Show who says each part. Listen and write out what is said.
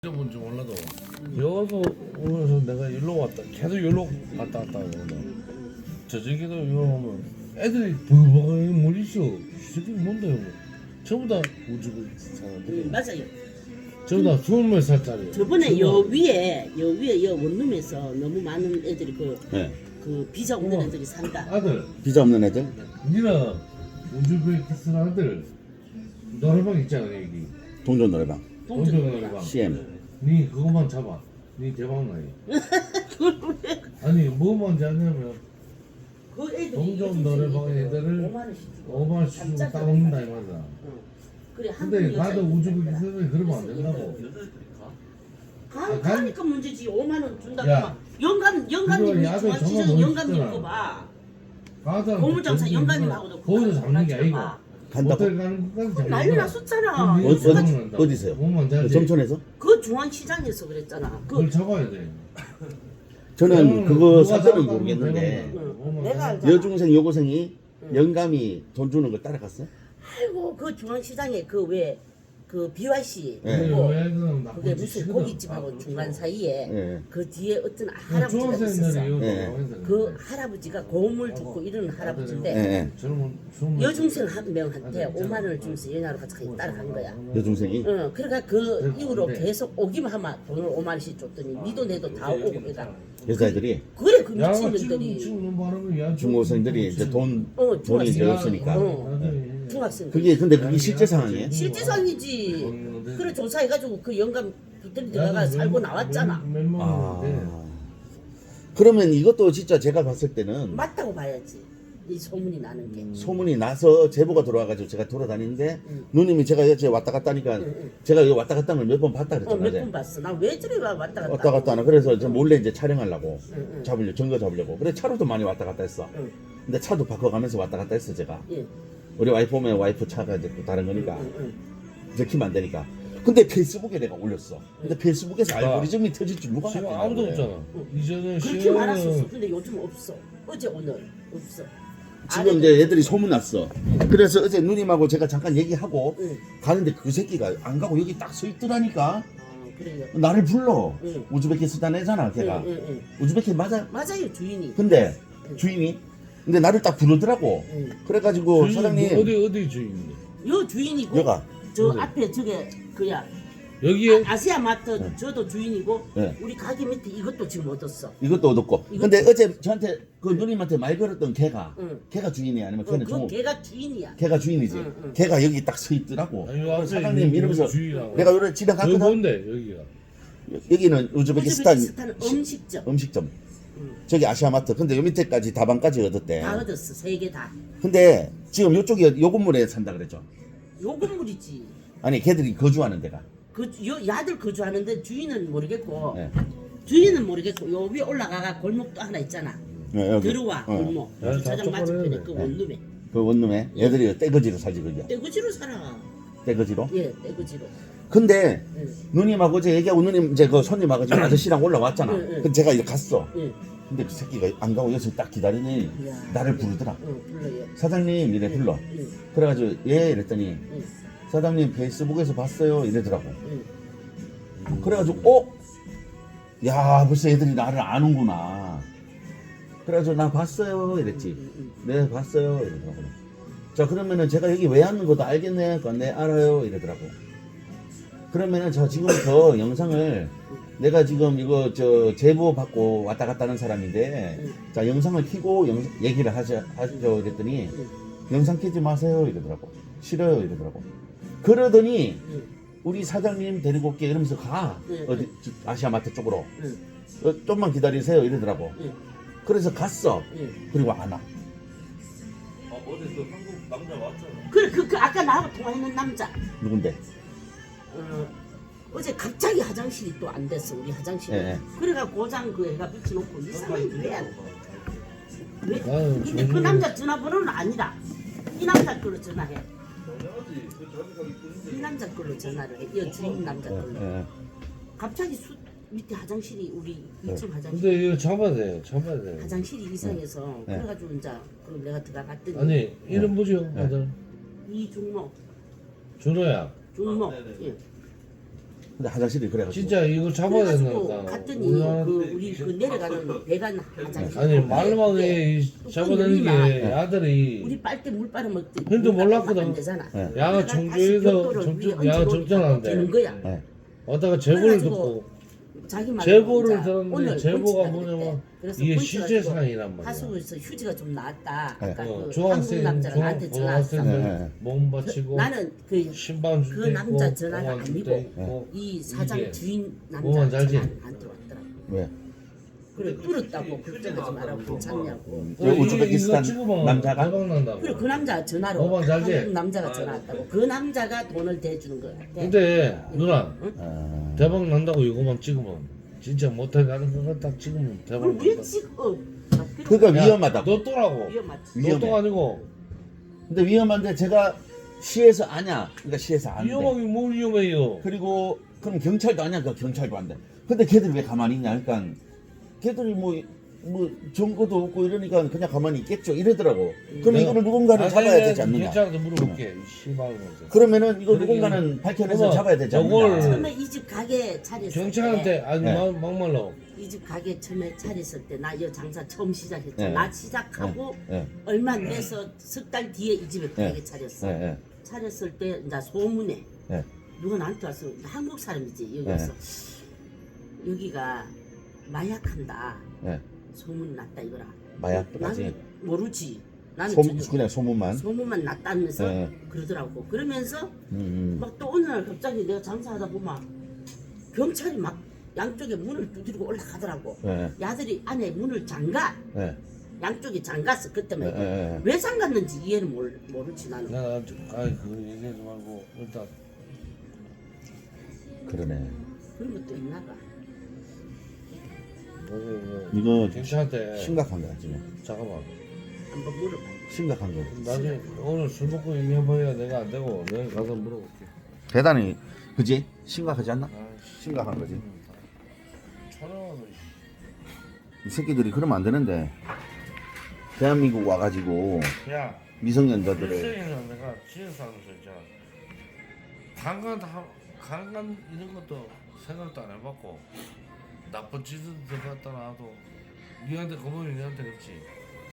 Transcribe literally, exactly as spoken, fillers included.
Speaker 1: 뭔지 몰라도 여기서 오면서 내가 일로 왔다 계속 일로 갔다 왔다 하거든. 저녁에도 이거 오면 애들이 버벅하게 뭘 있어. 이 새끼 뭔데 이거. 전부 다 우주국 사람들이.
Speaker 2: 음, 맞아요.
Speaker 1: 전부 다 스물 몇 살짜리.
Speaker 2: 저번에 여 위에 여 위에 여 원룸에서 너무 많은 애들이 그,
Speaker 3: 네.
Speaker 2: 그 비자 없는
Speaker 1: 어머.
Speaker 2: 애들이 산다.
Speaker 1: 아들,
Speaker 3: 비자 없는 애들?
Speaker 1: 니는 우주국 쓰는 아들 노래방 있잖아 여기.
Speaker 3: 동전 노래방.
Speaker 1: 동전
Speaker 2: 동전
Speaker 1: 노래방.
Speaker 3: 씨엠.
Speaker 1: 니 그것만 잡아. 니 대박 나요. 아니 뭐만 잡냐면
Speaker 2: 그 애들이
Speaker 1: 동전 노래방 애들을
Speaker 2: 오만 원씩 주고
Speaker 1: 오만 원씩 주고
Speaker 2: 각자
Speaker 1: 따먹는다 이 말이야.
Speaker 2: 응. 그래 한
Speaker 1: 근데
Speaker 2: 분이
Speaker 1: 나도
Speaker 2: 여자
Speaker 1: 우주국
Speaker 2: 있잖아.
Speaker 1: 있으면 그러면 안 된다고.
Speaker 2: 가,
Speaker 1: 아,
Speaker 2: 가니까 문제지. 오만 원 준다고
Speaker 1: 야.
Speaker 2: 막 영감 영감님
Speaker 1: 그거 야외
Speaker 2: 중앙시장
Speaker 1: 정말
Speaker 2: 영감님
Speaker 1: 멋있잖아.
Speaker 2: 거 봐.
Speaker 1: 가자.
Speaker 2: 고물장사 영감님하고도
Speaker 1: 거기서 잡는 게 아니고
Speaker 3: 간다고?
Speaker 1: 호텔 가는 것까지 잡는
Speaker 2: 난리
Speaker 1: 거야.
Speaker 2: 났었잖아.
Speaker 1: 그럼
Speaker 3: 어,
Speaker 1: 위에서
Speaker 3: 어디-
Speaker 1: 잡는다.
Speaker 3: 어디서요?
Speaker 1: 몸만 잡지.
Speaker 3: 점촌에서?
Speaker 2: 그 중앙시장에서 그랬잖아. 그
Speaker 1: 그걸 잡아야 돼.
Speaker 3: 저는 그거
Speaker 1: 누가
Speaker 3: 사건은
Speaker 1: 잡았다고
Speaker 3: 모르겠는데
Speaker 1: 그러면
Speaker 2: 응.
Speaker 1: 몸만
Speaker 2: 내가
Speaker 1: 잡아.
Speaker 2: 알잖아.
Speaker 3: 여중생 여고생이
Speaker 2: 응.
Speaker 3: 영감이 돈 주는 걸 따라갔어?
Speaker 2: 아이고 그 중앙시장에 그 왜 그 비와이씨
Speaker 3: 네.
Speaker 2: 그거
Speaker 1: 여행은 나쁜
Speaker 2: 그게 무슨
Speaker 1: 짓이거든.
Speaker 2: 고깃집하고 중간 사이에
Speaker 3: 네.
Speaker 2: 그 뒤에 어떤 할아버지가
Speaker 1: 중학생들이
Speaker 2: 있었어.
Speaker 1: 이거
Speaker 3: 네.
Speaker 1: 나와있는데.
Speaker 2: 그 할아버지가 고음을 듣고 이러는 할아버지인데
Speaker 3: 네.
Speaker 1: 젊은 젊은
Speaker 2: 여중생 한 명한테 오만 원을 주면서 연하로 같이 따라간 거야.
Speaker 3: 여중생이?
Speaker 2: 어, 그러니까 그
Speaker 1: 네,
Speaker 2: 이후로
Speaker 1: 네.
Speaker 2: 계속 오기만 하면 돈을 오만 원씩 줬더니 니도 내도 다 오고 해가
Speaker 3: 여자애들이?
Speaker 2: 그래 그
Speaker 1: 야,
Speaker 2: 미친년들이
Speaker 1: 지금 말하면 야,
Speaker 3: 중고생들이 이제 돈,
Speaker 2: 어,
Speaker 3: 돈이 이제
Speaker 2: 중학생.
Speaker 3: 없으니까.
Speaker 2: 어.
Speaker 1: 네.
Speaker 2: 중학생들
Speaker 3: 그게 근데 그게 실제 상황이에요?
Speaker 2: 실제상이지. 그래 조사해가지고 그 영감 호텔에 들어가 살고 나왔잖아.
Speaker 1: 몇만 원인데.
Speaker 3: 아. 그러면 이것도 진짜 제가 봤을 때는
Speaker 2: 맞다고 봐야지. 이 소문이 나는 게.
Speaker 3: 소문이 나서 제보가 들어와가지고 제가 돌아다니는데
Speaker 2: 응.
Speaker 3: 누님이 제가 여기 왔다 갔다 하니까
Speaker 2: 응, 응.
Speaker 3: 제가 여기 왔다 갔다 하는 걸 몇 번 봤다
Speaker 2: 어,
Speaker 3: 그랬잖아요.
Speaker 2: 몇
Speaker 3: 어제.
Speaker 2: 번 봤어. 나 왜 저리 와 왔다 갔다.
Speaker 3: 왔다 갔다 하나. 그래서 저 몰래 이제 촬영하려고
Speaker 2: 응, 응.
Speaker 3: 잡으려 증거 잡으려고. 그래 차로도 많이 왔다 갔다 했어.
Speaker 2: 응.
Speaker 3: 근데 차도 바꿔가면서 왔다 갔다 했어 제가.
Speaker 2: 예.
Speaker 3: 우리 와이프 오면 와이프 차가 이제 또 다른 거니까
Speaker 2: 응, 응,
Speaker 3: 들키면 안 되니까. 근데 페이스북에 내가 올렸어. 근데 페이스북에서
Speaker 1: 아.
Speaker 3: 알고리즘이 터질 줄 누가
Speaker 1: 지금
Speaker 3: 알았겠냐,
Speaker 1: 아무도
Speaker 3: 그래.
Speaker 1: 없잖아. 이제는
Speaker 2: 그렇게 말았었어.
Speaker 1: 시간은
Speaker 2: 근데 요즘 없어. 어제 오늘 없어.
Speaker 3: 지금 이제 애들이 소문 났어. 그래서 어제 누님하고 제가 잠깐 얘기하고
Speaker 2: 응.
Speaker 3: 가는데 그 새끼가 안 가고 여기 딱 서 있더라니까.
Speaker 2: 어, 그래요.
Speaker 3: 나를 불러.
Speaker 2: 응.
Speaker 3: 우즈베키스탄 애잖아 걔가.
Speaker 2: 응, 응, 응.
Speaker 3: 우즈베키 맞아.
Speaker 2: 맞아요 주인이.
Speaker 3: 근데
Speaker 2: 응.
Speaker 3: 주인이 근데 나를 딱 부르더라고.
Speaker 2: 응.
Speaker 3: 그래가지고
Speaker 1: 주인이
Speaker 3: 사장님
Speaker 1: 뭐 어디 어디 주인인데?
Speaker 2: 요 주인이고.
Speaker 3: 여가
Speaker 2: 저
Speaker 1: 어디?
Speaker 2: 앞에 저게 그야.
Speaker 1: 여기에
Speaker 2: 아, 아시아 마트
Speaker 3: 네.
Speaker 2: 저도 주인이고
Speaker 3: 네.
Speaker 2: 우리 가게 밑에 이것도 지금 얻었어.
Speaker 3: 이것도 얻었고.
Speaker 2: 이것도-
Speaker 3: 근데 어제 저한테 그 누님한테 말 걸었던 걔가
Speaker 2: 응.
Speaker 3: 걔가 주인이 아니면
Speaker 2: 어,
Speaker 3: 걔는
Speaker 2: 그
Speaker 3: 종
Speaker 2: 걔가 주인이야.
Speaker 3: 걔가 주인이지.
Speaker 2: 응, 응.
Speaker 3: 걔가 여기 딱 서 있더라고.
Speaker 1: 아니, 요 앞에
Speaker 3: 사장님
Speaker 1: 있는
Speaker 3: 이러면서
Speaker 1: 주인하고.
Speaker 3: 내가 요래 집에
Speaker 1: 여기
Speaker 3: 갔거든.
Speaker 1: 뭔데 여기가?
Speaker 3: 여기는 우즈베키스탄
Speaker 2: 우즈베키스탄 음식점
Speaker 3: 음식점.
Speaker 2: 응.
Speaker 3: 저기 아시아마트. 근데 요 밑에까지 다방까지 얻었대.
Speaker 2: 다 얻었어 세 개 다.
Speaker 3: 근데 지금 요쪽이 요 건물에 산다 그랬죠.
Speaker 2: 요 건물이지.
Speaker 3: 아니 걔들이 거주하는 데가.
Speaker 2: 그 요 야들 거주하는데 주인은 모르겠고
Speaker 3: 예.
Speaker 2: 주인은 모르겠고 요 위에 올라가가 골목도 하나 있잖아.
Speaker 3: 예, 여기.
Speaker 2: 들어와
Speaker 3: 어.
Speaker 2: 골목.
Speaker 1: 야,
Speaker 2: 주차장
Speaker 1: 다
Speaker 2: 맞은편에
Speaker 1: 똑바로
Speaker 2: 그
Speaker 1: 해야 돼.
Speaker 2: 원룸에.
Speaker 3: 그 원룸에 애들이 떼거지로 살지 그죠.
Speaker 2: 떼구지로 살아.
Speaker 3: 떼거지로.
Speaker 2: 예, 떼구지로.
Speaker 3: 근데
Speaker 2: 예,
Speaker 3: 누님하고 어제 얘기하고 누님 이제 그 손님 와가지고 아저씨랑 올라왔잖아.
Speaker 2: 응, 응.
Speaker 3: 근데 제가 이렇게 갔어.
Speaker 2: 예.
Speaker 3: 근데 그 새끼가 안 가고 여기서 딱 기다리니
Speaker 2: 이야.
Speaker 3: 나를 부르더라.
Speaker 2: 어, 불러요.
Speaker 3: 사장님 이래 불러.
Speaker 2: 예,
Speaker 3: 그래가지고 예 이랬더니
Speaker 2: 예,
Speaker 3: 사장님 페이스북에서 봤어요 이러더라고.
Speaker 2: 예.
Speaker 3: 그래가지고 어? 야 벌써 애들이 나를 아는구나. 그래가지고 나 봤어요 이랬지.
Speaker 2: 음, 음.
Speaker 3: 네 봤어요 이러더라고. 자 그러면은 제가 여기 왜 왔는 것도 알겠네. 그러니까 네 알아요 이러더라고. 그러면은 저 지금부터 영상을 내가 지금 이거 저 제보 받고 왔다 갔다 하는 사람인데
Speaker 2: 음.
Speaker 3: 자 영상을 켜고 영, 얘기를 하자, 하죠 이랬더니
Speaker 2: 음.
Speaker 3: 영상 켜지 마세요 이러더라고. 싫어요 이러더라고. 그러더니
Speaker 2: 음.
Speaker 3: 우리 사장님 데리고 올게 이러면서 가.
Speaker 2: 네,
Speaker 3: 어디 저 아시아마트 쪽으로.
Speaker 2: 응,
Speaker 3: 어, 좀만 기다리세요 이러더라고.
Speaker 2: 응,
Speaker 3: 그래서 갔어.
Speaker 2: 응.
Speaker 3: 그리고 안 와.
Speaker 4: 아 어제 그 한국 남자 왔잖아.
Speaker 2: 그래, 그, 그 아까 나하고 통화했는 남자.
Speaker 3: 누군데?
Speaker 2: 어, 어제 갑자기 화장실이 또 안 됐어 우리 화장실이.
Speaker 3: 예, 예.
Speaker 2: 그래가 고장 그 애가 붙여놓고 이 사람이 왜? 안- 왜?
Speaker 1: 아유,
Speaker 2: 근데 그
Speaker 1: 저기-
Speaker 2: 남자 전화번호는 아니다. 이 남자 걸로 전화해.
Speaker 4: 당연하지. 그 자기가
Speaker 2: 이
Speaker 4: 이끄는데.
Speaker 2: 남자 걸로 전화를 해. 이 주인 남자
Speaker 3: 예,
Speaker 2: 걸로.
Speaker 3: 예.
Speaker 2: 갑자기 수 밑에 화장실이 우리 이 층 화장실.
Speaker 1: 근데 이거 잡아야 돼, 잡아야 돼.
Speaker 2: 화장실이 이상해서
Speaker 3: 네.
Speaker 2: 그래가지고 이제 그럼 내가 들어갔더니
Speaker 1: 아니 이름 뭐죠, 아들?
Speaker 2: 이중모
Speaker 1: 준호야.
Speaker 2: 중모
Speaker 4: 아, 네네.
Speaker 2: 예.
Speaker 3: 근데 화장실이 그래가지고
Speaker 1: 진짜 이거 잡아야
Speaker 2: 그래가지고
Speaker 1: 된다니까.
Speaker 2: 갔더니
Speaker 1: 우리나라-
Speaker 2: 그 우리 그 내려가는 배관 화장실
Speaker 1: 아니 말만 해 잡아내는 게 아들이
Speaker 2: 우리 빨대 물 빨아 먹지.
Speaker 1: 근데 몰랐거든.
Speaker 2: 안 되잖아.
Speaker 3: 네.
Speaker 1: 야가 청주에서 청주 야가 정전하는데
Speaker 2: 되는 거야.
Speaker 3: 네.
Speaker 1: 어다가 제보를
Speaker 2: 그래가지고
Speaker 1: 듣고
Speaker 2: 자기 말로
Speaker 1: 제보를
Speaker 2: 이제
Speaker 1: 들었는데
Speaker 2: 오늘
Speaker 1: 제보가
Speaker 2: 본치가
Speaker 1: 뭐냐면
Speaker 2: 그랬대. 그래서
Speaker 1: 이게
Speaker 2: 본치가
Speaker 1: 실제
Speaker 2: 지금
Speaker 1: 사항이란 말이야.
Speaker 2: 하수구에서 휴지가 좀 나왔다.
Speaker 3: 네.
Speaker 2: 아까
Speaker 1: 어,
Speaker 2: 그 한국
Speaker 1: 중학생
Speaker 2: 남자가 나한테 전화왔어.
Speaker 3: 네, 네.
Speaker 1: 중학생들 몸 바치고
Speaker 2: 나는 그
Speaker 1: 신방
Speaker 2: 그
Speaker 1: 줄때 있고
Speaker 2: 남자 전화가
Speaker 1: 공원 줄때
Speaker 2: 아니고
Speaker 1: 있고
Speaker 2: 이 사장
Speaker 1: 이게
Speaker 2: 주인
Speaker 1: 뭐만
Speaker 2: 남자
Speaker 1: 잘지?
Speaker 2: 전화 안 들어왔더라고.
Speaker 3: 왜?
Speaker 2: 그래 뚫었다고 걱정하지 말라고 괜찮냐고.
Speaker 3: 저 우즈베키스탄 남자가
Speaker 1: 대박 난다고.
Speaker 2: 그래 그 남자 전화로
Speaker 1: 뭐만 잘지?
Speaker 2: 한국 남자가 전화 왔다고. 그 남자가 돈을 대주는 거야.
Speaker 1: 근데 누나
Speaker 3: 아,
Speaker 1: 대박 난다고 이거만 찍으면 진짜 못해 가는 거 딱 찍으면 대박
Speaker 2: 그걸 왜
Speaker 1: 난다.
Speaker 2: 찍어?
Speaker 3: 그러니까
Speaker 1: 야,
Speaker 3: 위험하다고.
Speaker 1: 너 또라고.
Speaker 2: 위험하지.
Speaker 3: 위험해.
Speaker 1: 너또 아니고
Speaker 3: 근데 위험한데 제가 시에서 아냐. 그러니까 시에서 안 돼.
Speaker 1: 위험하게 뭘 위험해요.
Speaker 3: 그리고 그럼 경찰도 아냐. 그 경찰도 안 돼. 근데 걔들이 왜 가만히 있냐. 그러니까 걔들이 뭐, 뭐 정보도 없고 이러니까 그냥 가만히 있겠죠. 이러더라고. 그럼
Speaker 1: 내가-
Speaker 3: 이거를 누군가를
Speaker 1: 아,
Speaker 3: 잡아야
Speaker 1: 내가
Speaker 3: 되지 않느냐.
Speaker 1: 경찰한테 물어볼게. 씨발 놈들.
Speaker 3: 그러면은 이거
Speaker 1: 그러게.
Speaker 3: 누군가는 밝혀내서
Speaker 1: 그러면
Speaker 3: 잡아야 되지
Speaker 1: 요걸-
Speaker 3: 않느냐.
Speaker 2: 처음에 이 집 가게 차렸을
Speaker 1: 경찰한테
Speaker 2: 때,
Speaker 1: 아니
Speaker 3: 네.
Speaker 1: 막- 막말로
Speaker 2: 이 집 가게 처음에 차렸을 때 나 이 장사 처음 시작했잖아.
Speaker 3: 네.
Speaker 2: 나 시작하고
Speaker 3: 예,
Speaker 2: 얼마 안 돼서 석 달 뒤에 이 집에
Speaker 3: 네.
Speaker 2: 가게 차렸어.
Speaker 3: 예, 예,
Speaker 2: 차렸을 때 이제 소문에
Speaker 3: 예.
Speaker 2: 누가 나한테 왔어. 한국 사람이지 여기서 여기가 마약한다.
Speaker 3: 예.
Speaker 2: 소문 났다 이거라.
Speaker 3: 마약까지.
Speaker 2: 나는 모르지. 나는
Speaker 3: 소,
Speaker 2: 전혀
Speaker 3: 그냥 소문만.
Speaker 2: 소문만 났다면서
Speaker 3: 네.
Speaker 2: 그러더라고. 그러면서
Speaker 3: 음, 음.
Speaker 2: 막 또 어느 날 갑자기 내가 장사하다 보면 경찰이 막 양쪽에 문을 두드리고 올라가더라고.
Speaker 3: 예,
Speaker 2: 야들이 안에 문을 잠가.
Speaker 3: 예,
Speaker 2: 양쪽이 잠갔어. 그때
Speaker 3: 예,
Speaker 2: 말고.
Speaker 3: 예, 예.
Speaker 2: 왜 잠갔는지 이해는 모르, 모르지 나는.
Speaker 1: 내가 아이 그 얘기하지 말고 일단
Speaker 3: 그러네.
Speaker 2: 그런 것도 있나 봐.
Speaker 1: 그,
Speaker 3: 이거
Speaker 1: 경찰한테
Speaker 3: 심각한 거야 지금.
Speaker 1: 잠깐만
Speaker 2: 한번 물어봐.
Speaker 3: 심각한 거.
Speaker 1: 나중에 오늘 술 먹고 얘기해봐야 내가 안 되고 내가 가서 물어볼게.
Speaker 3: 대단히 그지? 심각하지 않나?
Speaker 1: 아,
Speaker 3: 심각한 거지.
Speaker 1: 촬영하고
Speaker 3: 이 새끼들이 그러면 안 되는데. 대한민국 와가지고
Speaker 1: 야
Speaker 3: 미성년자들을
Speaker 1: 일생에는 내가 지역사무소 있잖아. 강간 다 강간 이런 것도 생각도 안 해봤고 나쁜 짓을 들어갔다 놔도 니한테 고마워 니한테 그렇지.